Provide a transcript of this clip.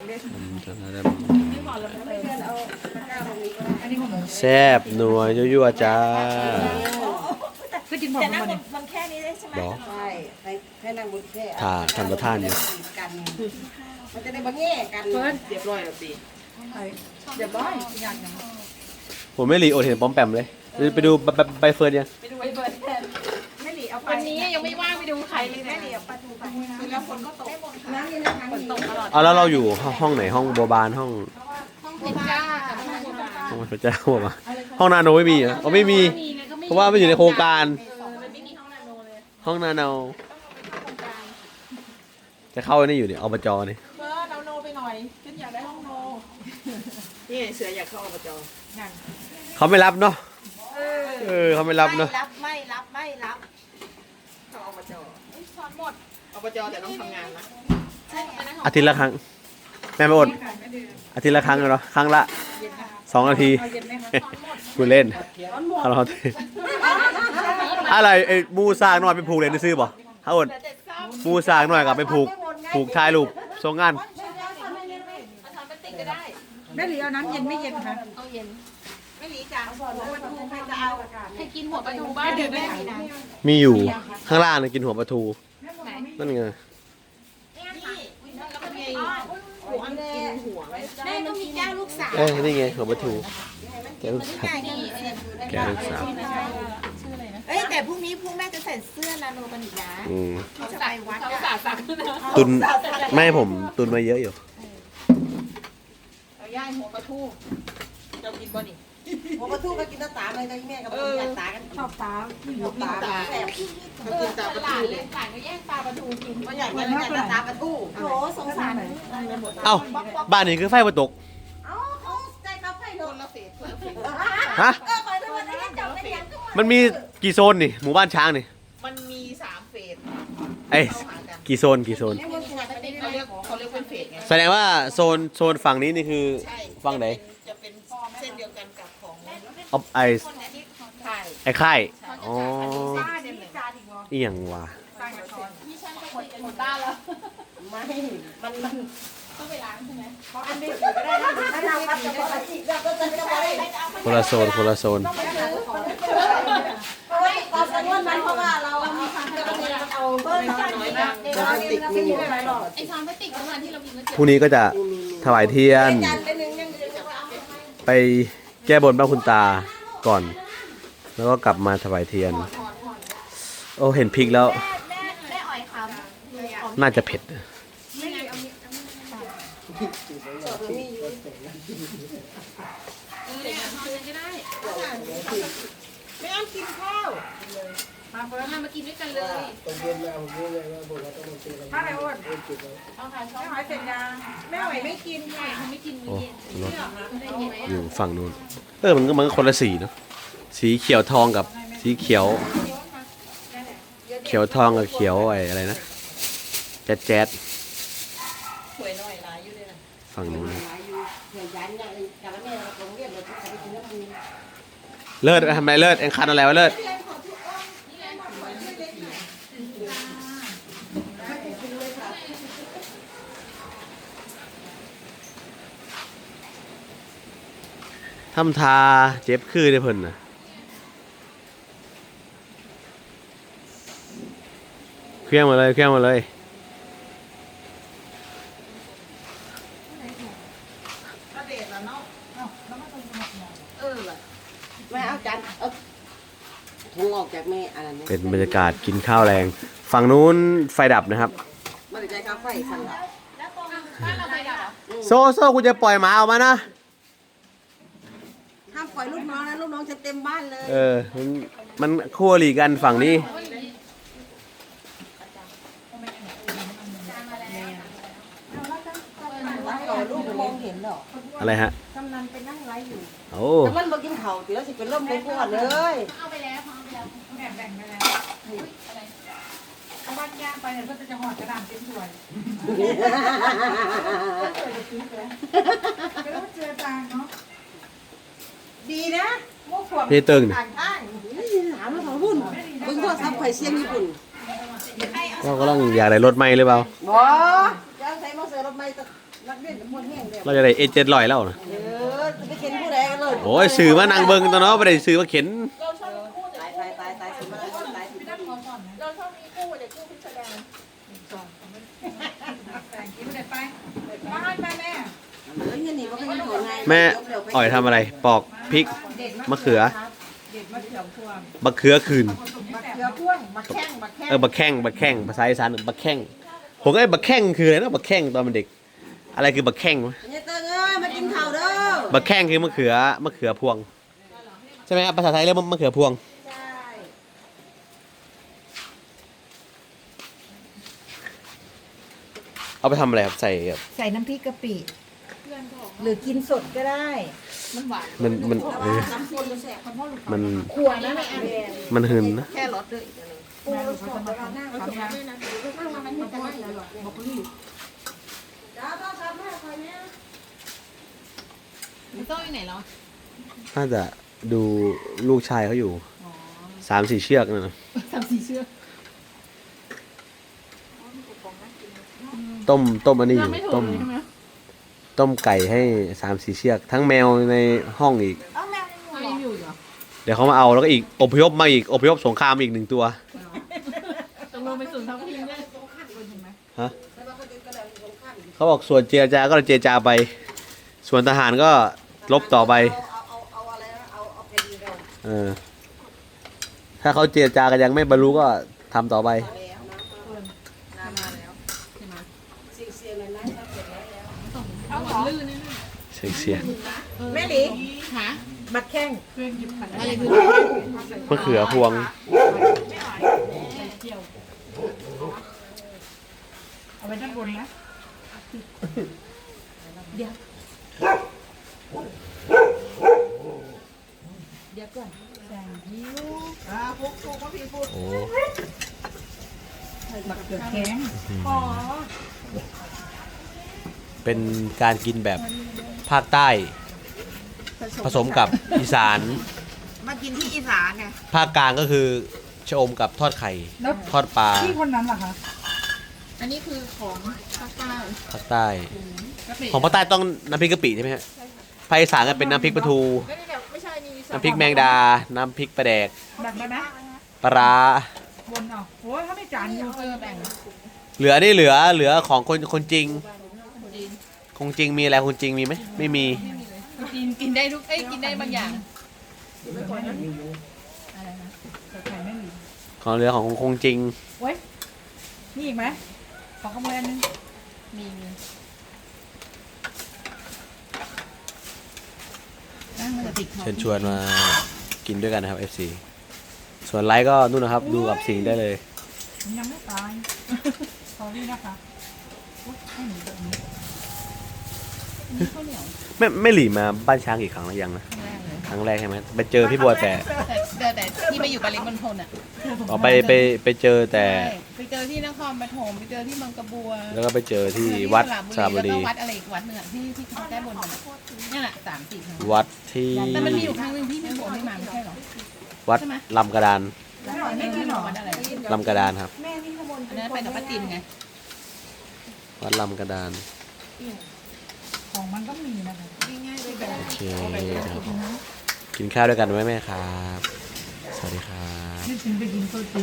แซ่บนัวยั่วๆจ้าก็กินแต่นั่งบนแค่นี้ได้ใช่ไหมใช่ให้นั่งบนแค่ถ่าทำประทานอยู่มันจะได้บ่แง่กันเพิ่นเรียบร้อยแล้วสิเรียบร้อยอย่างนั้นผมไม่หลีโอเห็นป้อมแปมเลยไปดูใบเฟิร์นยังไปดูใบเฟิร์นไม่หลีเอาวันนี้ยังไม่ว่างไปดูใครเลยไม่หลีเอาปลาทูไปแล้วฝนก็ตกน้ำนี่นะคะฝนตกตลอดเอาแล้วเราอยู่ห้องไหนห้องโบบานห้องเพชรจ้าห้องพระเจ้ามาห้องนาโนไม่มีอ่ะไม่มีเพราะว่าไม่อยู่ในโครงการห้องนาโนจะเข้านี่อยู่เนี่ยอบจนี่เมื่อเราโนไปหน่อยฉันอยากได้ห้องโนนี่เสืออยากเข้าอบจนั่นเขาไม่รับเนาะเขาไม่รับเนาะไม่รับเข้าอบจสอนหมดอบจแต่ต้องทำงานนะอาทิตย์ละครั้งแม่ไม่อดอาทิตย์ละครั้งเนาะครั้งละ2 นาทีกูเล่นเราอะไรไอ้มูซากหน่อยไปผูกเลยได้ซื้อป่ะฮะอดมูซากหน่อยกับไปผูกชายรูปทรงงานแม่หลีเอาน้ำเย็นไม่เย็นคะเอาเย็นแม่หลีจ้าหัวปลาทูใครจะเอาให้กินหัวปลาทูบ้านเดือดแม่มีนะมีอยู่ข้างล่างนะกินหัวปลาทูนั่นไงแล้วก็มีหัวกินหัวไว้แม่ก็มีแก้วลูกสาวนี่ไงหัวปลาทูแก้วลูกสาวแก้วลูกสาวแต่พรุ่งนี้แม่จะใส่เสื้อนาโนกันอีกนะจะไปวัดตุนไม่ผมตุนมาเยอะอยู่เอาย่างหัวปลาทูเรากินบ่นี่หัวปลาทูก็กินตาเลยนะแม่กับอยากตากันชอบตาแซ่บก็กินตาปลาทูเลยต่างก็แย่งตาปลาทูกินก็อยากกินตาปลาทูโหสงสารเอ้าบ้านนี้คือไฟประตกเขาใจเขาไฟโดนละเสียฮะมันมีกี่โซนนี่หมู่บ้านช้างนี่มันมี3 เฟสกี่โซนเขาเรียกเป็นเฟสไงแสดงว่าโซนฝั่งนี้นี่คือฝั่งไหนจะเป็นเส้นเดียวกันกับของไอ้ค่ายอ๋อเอียงว่ะพี่ช่างจะหมดบ้านแล้วไม่มันต้องไปล้างใช่ไหมเพราะอันนี้ก็ได้ถ้าเราพัดจะพอจิตเราก็จะคนละโซนเพราะว่าเรามีความจำเป็นเอาเพิ่มน้อยนะไม่มีอะไรหรอกไอ้ความพลาสติกประมาณที่เรามีพรุ่งนี้ก็จะถวายเทียนไปแก้บนพระคุณตาก่อนแล้วก็กลับมาถวายเทียนโอ้เห็นพริกแล้วน่าจะเผ็ดไม่เอากินข้าวมากินด้วยกันเลยถ้าไหนอ้วนเอาค่ะไม่หอยเสร็จยังไม่หอยไม่กินค่ะไม่กินมื้อเย็นอยู่ฝั่งนู้นมันก็คนละสีเนาะสีเขียวทองกับสีเขียวทองกับเขียวอะไรนะแจ๊ดฝั่งนู้นเลิศทำไรเลิศเอ็งคันอะไรวะเลิศทำทาเจ็บคือได้เพิ่นนะเครื่องมาเลยไม่เอาจานถุงออกจากแม่อะไรนี่เป็นบรรยากาศกินข้าวแรงฝั่งนู้นไฟดับนะครับไม่ได้ใจข้าวไฟสั่นละโซ่กูจะปล่อยหมาออกมานะห้ามปล่อยลูกน้องนะลูกน้องจะเต็มบ้านเลยมันคู่อริกันฝั่งนี้ลูกมองเห็นหรออะไรฮะกำนันไปนั่งไลฟ์อยู่โอ้แต่มันมากินเข่าเดี๋ยวสิเป็นร่มเลยพวดเลยเอาไปแล้วแบ่งไปแล้วเอาบ้านย่างไปเนี่ยก็จะห่อกระดาษเป็นถ้วยก็ต้องเจอจางเนาะดีนะพวกขวบนี่ตึงถามแล้วของหุ่นบึ้งโทรศัพท์ไข่เชียงญี่ปุ่นก็กำลังอยากได้รถใหม่หรือเปล่าบ่จะใส่มาเสือรถใหม่รักเด่นกับคนแห้งเดียวเราจะได้เอเจ็ดลอยแล้วนะไปเข็นผู้ใดกันเลยโอ้ยสื่อมานางเบิงตัวเนาะไม่ได้สื่อมาเข็นตายสิมาตายสิเราชอบมีคู่เด็กคู่พิจารณามาให้แม่เงี้ยนี่มันก็ยังโหดไงแม่อ่อยทำอะไรปอกพริกมะเขือเด็กมาเขียวพวงบักเขือคืนมาเขียวพวงมาแข้งมาแข้งบักแข้งภาษาอีสานบักแข้งผมก็ไอ้บักแข้งคืออะไรนะบักแข้งตอนเป็นเด็ก อะไรคือบักแข้งวะเนี่ยเติ้งเอ้ยมากินข้าวเด้อบักแข้งคือมะเขือพวงใช่ไหมครับภาษาไทยเรียกมะเขือพวงใช่เอาไปทำอะไรครับใส่แบบใส่น้ำพริกกะปิหรือกินสดก็ได้ มันหวานมันน้ำคนจะแสบมันขวดนะแม่มันหืนนะแค่รสด้วยอีกนึงปูเราสดเราหน้าเราสดด้วยนะข้างมันจะไม่หรอกบอกนี่จ้าต้องทำให้ใครเนี่ยมันต้องอยู่ไหนเหรอน่าจะดูลูกชายเขาอยู่3-4 เชือกนั่นนะ 3-4 เชือกต้มอันนี้อยู่ต้มไก่ให้3-4 เชือก ทั้งแมวในห้องอีกเอาแมวยังอยู่เหรอเดี๋ยวเขามาเอาแล้วก็อีกอพยพมาอีกอพยพสงครามอีก1 ตัวต้องลงไปสู่ท้องถิ่นด้วยฮะเขาบอกส่วนเจรจาก็เจรจาไป ส่วนทหารก็ลบต่อไปเอาอะไรนะเอาแผ่นดินเราถ้าเขาเจรจากันยังไม่บรรลุก็ทำต่อไปแล้วน้ำมาแล้วใช่ไหมเสียงเลยนะถ้าเสร็จแล้วเอาของลื่นนี่เสียงแม่หลีหาบัดแข้งอะไรคือมะเขือพวงเอาไว้ด้านบนนะเดี๋ยวก่อนแซงยิ้วพวกก็พี่พูดโอ้บักเกือแข็งเป็นการกินแบบภาคใต้ ผสมกับอีสานมากินที่อีสานไงภาคกลางก็คือชะอมกับทอดไข่ ทอดปลาที่คนนั้นเหรอคะอันนี้คือของภาคใต้ภาคใต้กะปิของภาคใต้ต้องน้ำพริกกะปิใช่ไหมฮะภาคอีสานก็เป็นน้ำพริกปลาทูไม่ใช่นี่น้ำพริกแมงดา น้ำพริกปลาแดกแบ่งได้ไหมปลาร้าวนเอาโอ้ยถ้าไม่จานอยู่แบ่งเหลือนี่เหลือของคนจริง คงจริงมีอะไรคนจริงมีไหมไม่มีกินได้ทุกกินได้บางอย่างอะไรนะแต่ไข่ไม่มีของเหลือของคงจริงเว้ยนี่อีกไหมขอขโมยอันนึงมีนั่งมันจะติดคอเชิญชวนมากินด้วยกันนะครับ FC ส่วนไลค์ก็นู่นนะครับ ดูกับสิ่งได้เลยยังไม่ตายขอนี่นะคะให้หนูแบบนี้นี่ข้าวเหนียวไม่หลีมาบ้านช้างกี่ครั้งแล้วยังนะครั้งแรกเลยครั้งแรกใช่ไหมไปเจอพี่บัวแต่แต่ที่มาอยู่ปริมณฑลอ่ะอ๋อไปเจอแต่ใช่ไปเจอที่นครปฐมไปเจอที่บางกระบัวแล้วก็ไปเจอที่วัดสระบุแล้วรีก็วัดอะไรอีกวัดหนึ่งอะที่เขาแก้บนกันอะนั่นแหละ3-4ครั้งวัดที่แต่มันมีอยู่ครั้งหนึ่งที่พี่โบไม่มาไม่ใช่หรอวัดลำกระดานไม่ใช่หรอวัดอะไรลำกระดานครับแม่นี่ขโมยอันนั้นไปกับป้าตินไงวัดลำกระดานของมันก็มีนะคะง่ายๆเลยแบบโอเคครับกินข้าวด้วยกันไหมแม่ครับ สวัสดีครับที่ฉันไปกินโซจิ